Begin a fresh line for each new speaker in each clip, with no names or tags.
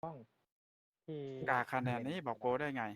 ห้องที่
กาคะแนนนี้บอกโกได้ไง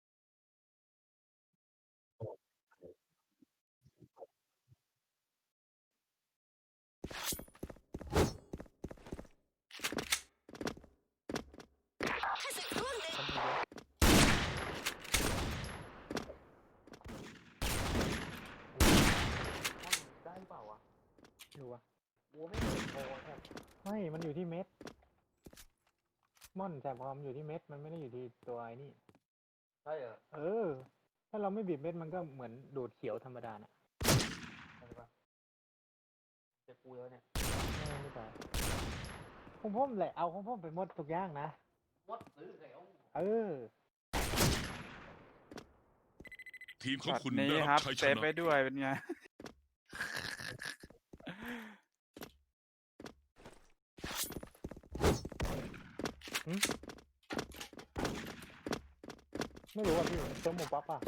ได้เปล่าวะดูวะโว้ไม่เห็นโอ้แทบไม่มันอยู่ที่เม็ดม่อนแสบความอยู่ที่เม็ดมันไม่ได้อยู่ที่ตัวไอ้นี่ใช่เหรอถ้าเราไม่บีบเม็ดมันก็เหมือนดูดเขียวธรรมดาน่ะใช่ปะเจ็บกูแล้วเนี่ยไม่ใช่ของผมแหละเอาของผมไปหมดทุกอย่างนะหมดหรือไง
ทีมของ
ช็อต
คุณ
นี้
ได้
ค
รั
รั
บบ ชัย
เซ
ช
ฟ
นะ
ไปด้วยเป็นไง
ไม่รู้ว่าพี่เจอหมูปั๊บอ่ะ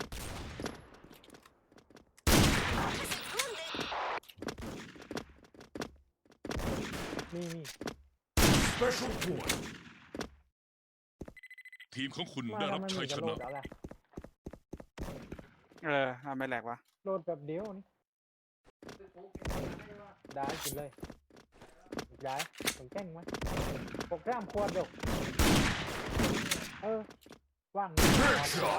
นี่
Special point ทีมของคุณ
มา
ได้
แล้ว
รับ
มัน
ชั
มี
ย
ก
ช
ระโด
นะ
ดแล้วแหละ
ทำไมแหลกวะ
โดดแบบเดียวนี่ได้กินเลยย้ายผมแกล้งไหมโปรแกรมควรเดี๋ยวว่าง
Headshot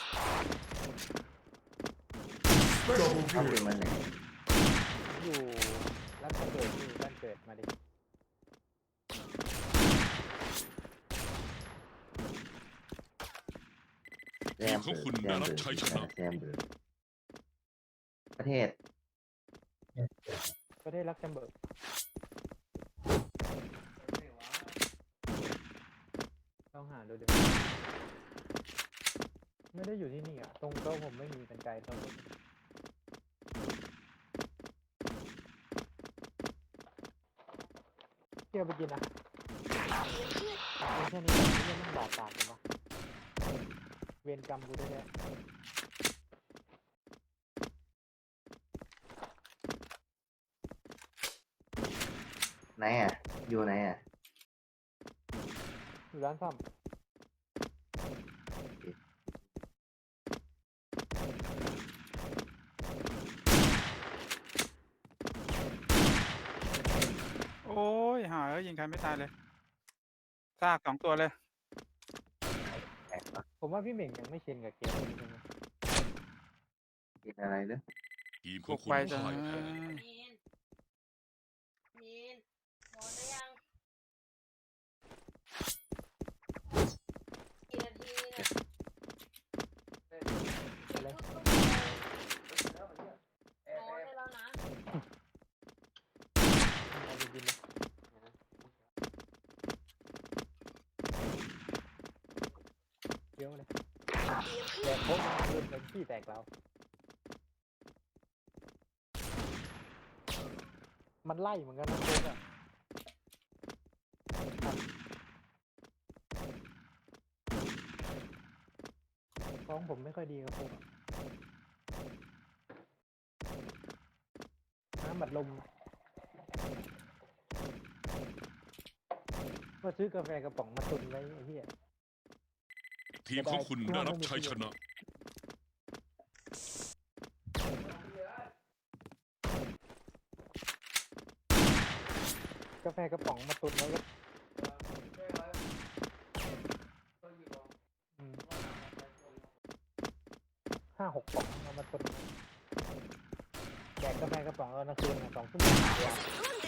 เข้าไปมันไหน
อยู่รัฐเกิดอยู่บ้านเกิดมาดิ
แซมเบิร์กแซมเบิร์กแซมเบิร์กประเทศ
ประเทศลักเซมเบิร์กต้องหาดูดิไม่ได้อยู่ที่นี่อ่ะตรงโต๊ะผมไม่มีกันไกลโต๊ะเที่ยวไปกินอ่ะแค่นี้ไม่ต้องบาดปากเลยวะเวรกรรมกูได้แน่
ไหนอ่ะ อยู่ไหนอ่ะ
อยู่ร้านซ่อม
โอ้ยหายิงใครไม่ตายเลยซาก2 ตัวเลย
ผมว่าพี่เหม่งยังไม่ชินกับเกมนี้ใช่ไหม
กินอะไรเนอะ
ทีมข
บุ
อง
ก
คุณ
ไปจะ
พ่ายแพ้
มีนนอนได้ยังกี่นาทีเนี่ย
อะไร
นอนได้แล้วนะ
เอาไปกินเลยเดี๋ยวเลยแตกโค้งเริ่มเป็นที่แตกแล้วมันไล่เหมือนกันนะโค้งอ่ะท้องผมไม่ค่อยดีกับโค้งอ่ะน้ำบัดลมก็ซื้อกาแฟกระป๋องมาตุนไว้ไอ้เหี้ย
ทีมของคุณได้รับชัยชนะ
กาแฟกระป๋องมาตุนไว้ก็5-6 ป๋องเอามาตุนไว้แดกกาแฟกระป๋องเอานะคืน2 ชั่วโมงเดียว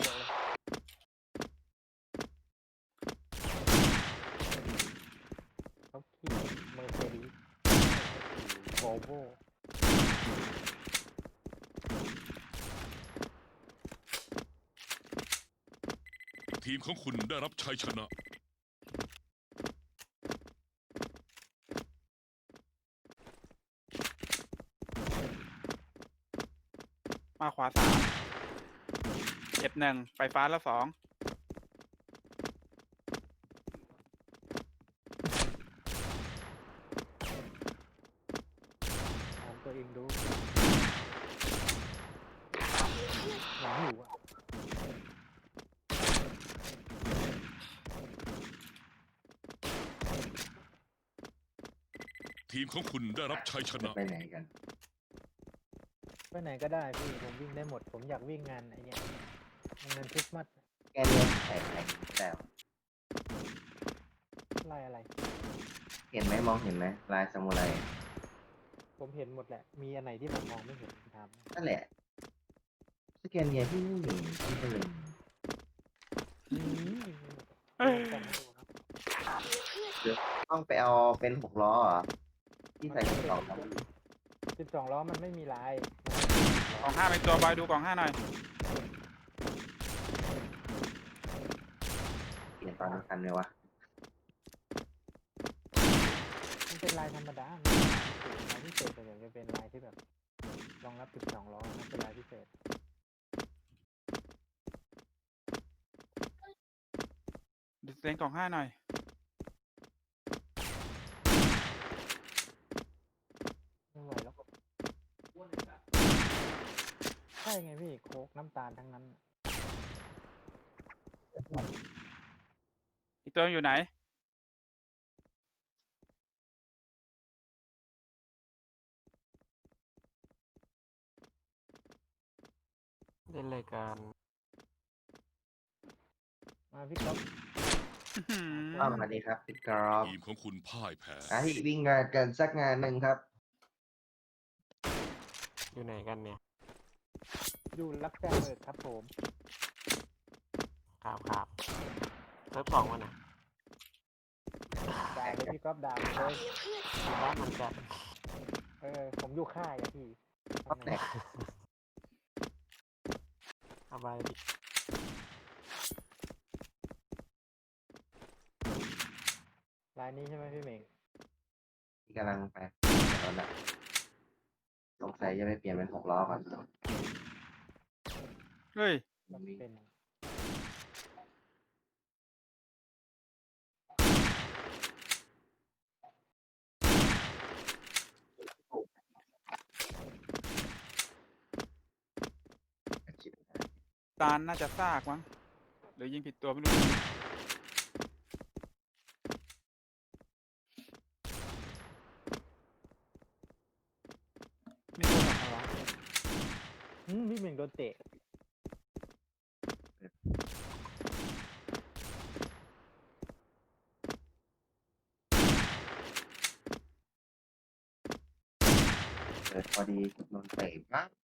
เขาขี่เมอร์เซเดสโวลโว่
ทีมของคุณได้รับชัยชนะ
มาขวา3เจ็บ1ไปฟ้าแล้ว2
ถามตัวเองดูเหมือนหิวอ่ะ
ทีมของคุณได้รับชัยช
จะ
นะ
ไปไหนกัน
ไปไหนก็ได้พี่ผมวิ่งได้หมด ผมอยากวิ่งงานไอ้เนี่ยงานคริสต์มาส
แกเรียนใส่ไหนแล้ว
ไล่อะไร
เห็นไหมมองเห็นไหมลายซามูไร
ผมเห็นหมดแหละ มีอันไหนที่ผมมองไม่เห็นผมถาม
นั่นแหละสแกนเนียที่ไม่เห็นที่ก็เลย
แต่ไม่ดูนะ
ต้องไปเอาเป็น6 ล้อเหรอที่ใส่กระเป๋าครับ
12 ล้อมันไม่มีลาย
กล่องห้าเป็นตัวบอยดูกล่องห้าหน่อย
เปลี่ยนตอนทันไหมวะ
มันเป็นลายธรรมดาลายพิเศษแต่จะเป็นลายที่แบบรองรับ 12 ล้อนะเป็นลายพิเศษ
ดิสเซนกล่องห้าหน่อย
ไม่ไหวแล้วใช่ไงพี่โค้กน้ำตาลทั้งนั้น
อีกตัวอยู่ไหน
เล่นรายการ
มาพี่ก๊อฟ
สวัสดีครับพี่กรอบ
ทีมของคุณพ่ายแพ้
ที่วิ่งงานกันสักงานหนึ่งครับ
อยู่ไหนกันเนี่ย
อยู่รักแจ้งเบิกครับผม
ครับเซิร์ฟสองวันนะ
ด่าเลยพี่ก๊อฟด่าเลย
อยู่บ้านเหมือนกัน
ผมอยู่ค่ายอะพี่
ก๊อฟแหลก
สบายดี
ลายนี้ใช่ไหมพี่เหม่ง
ที่กำลังไปรถอะสงสัยจะไปเปลี่ยนเป็น6 ล้อก่อน
เฮ้ย
มันเป็น
ตาลน่าจะซากมั้งหรือยิงผิดตัวไม่รู้ มีตัวแบบอะไรวะ
พี่เหม่งโดนเตะ
เปิดพอดีโดนเตะปั๊บ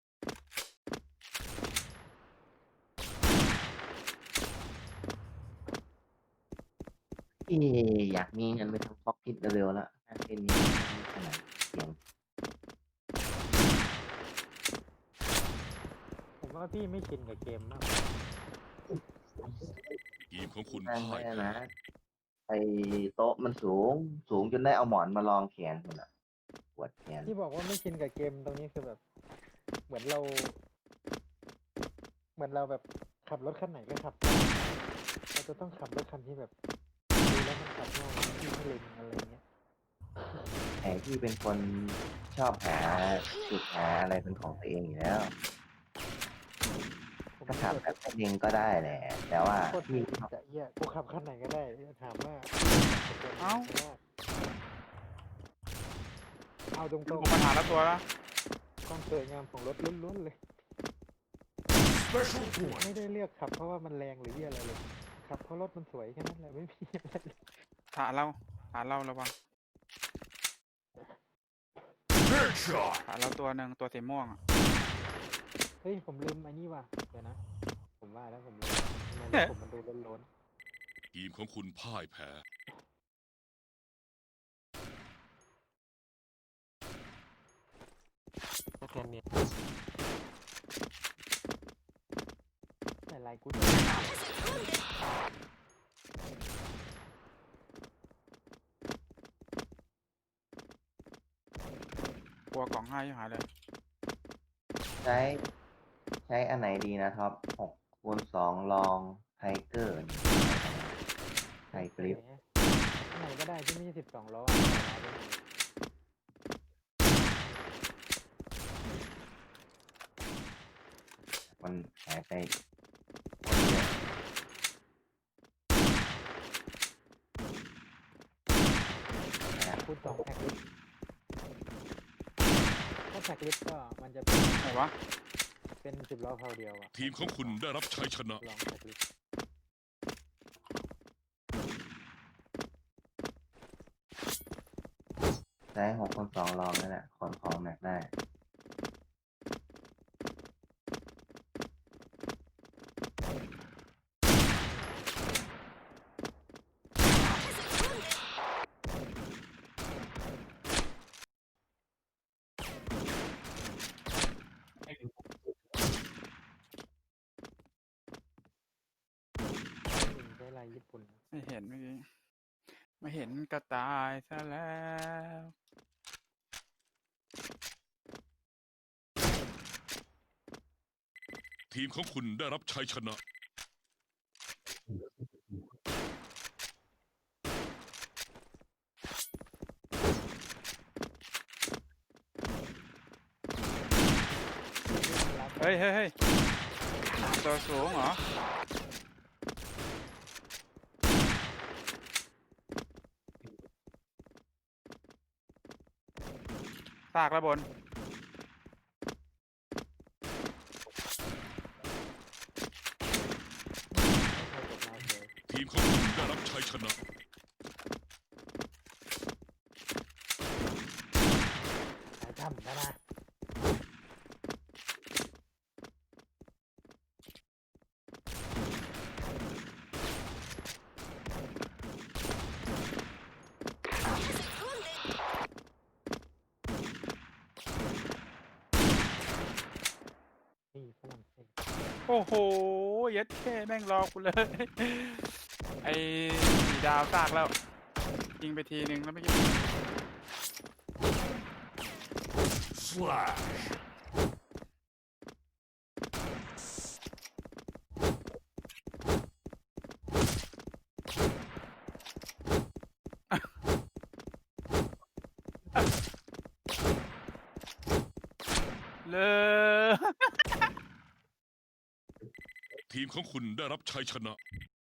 อยากมีเงินไปทำพ็อกพิทเร็วๆแล้วถ้าเป็นนี้ไม่ขนาดเสียง
ผมว่าพี่ไม่ชินกับเกมมาก
ทีมของคุณ
นั่ง
พ่า
ไม่
ย
ได้
แพ้
นะไอโต๊ะมันสูงจนได้เอาหมอนมาลองแขนคนอ่ะปวดแขน
ที่บอกว่าไม่ชินกับเกมตรงนี้คือแบบ เหมือนเราแบบขับรถคันไหนก็ขับได้เราจะต้องขับรถคันที่แบบดูแล้วมันขับง่ายที่ไม่เล็งอะไรเงี้ย
แต่ที่เป็นคนชอบหาจุดหาอะไรเป็นของตัวเองอยู่แล้ว
ผม
ก็
ไม่
ขับ
โดด
แบบเองก็ได้แหละ แต่ว่า
โคตร
ที่
ผิดจะเอี้ยกูขับคันไหนก็ได้ถามว่า เอาตรง
ดูปัญหาแล้วตัวแล้ว
ๆความสวยงามของรถล้วนๆเลย ไม่ได้เลือกขับเพราะว่ามันแรงหรือเหี้ยอะไรเลย ขับเพราะรถมันสวยแค่นั้นแหละไม่มีอะไรเลย
ฐานเราระวังฐานเราตัวหนึ่งตัวสีม่วงอะ
เฮ้ยผมลืมไอ้นี่ว่ะเดี๋ยวนะ ผมว่าแล้วผมลืมทำไมรถผมมันดูล้น
ทีมของคุณพ่ายแพ้
สแกนเนี่ย
ๆแต่ลายกู
กลัวกล่องห้าอยู่หายเลย
ใช้อันไหนดีนะท็อป6x2ลองไทเกอร์ไทกริป
อันไหนก็ได้ที่ไม่ใช่12 ล้อ
มันหายไป
คูณ2แพ็คแท็กลิสต์ก็มันจะเป็น
ไหนวะ
เป็น10 ล้อเพาเดียวอะ
ทีมของคุณได้รับชัยชนะ
ลองแท็กลิสต์
ใช้6 คูณ 2 ลองนั่นแหละขนของหนักได้
ใช้ลายญี่ปุ่น
ไม่เห็นเมื่อกี้ไม่เห็นก็ตายซะแล้ว
ทีมของคุณได้รับชัยชนะ
เฮ้ยเฮ้ยเฮ้ยตัวสูงเหรอซากแล้วบน
ทีมของคุณได้รับชัยชนะ
สายจำนะ นี่ฝรั่งเศส
โอ้โหเย็ดแค่แม่งรอกูเลย ไอ้สีดาวซากแล้วยิงไปทีนึงแล้วไม่อกี้
Flash
เลย
ทีมของคุณได้รับชัยชนะ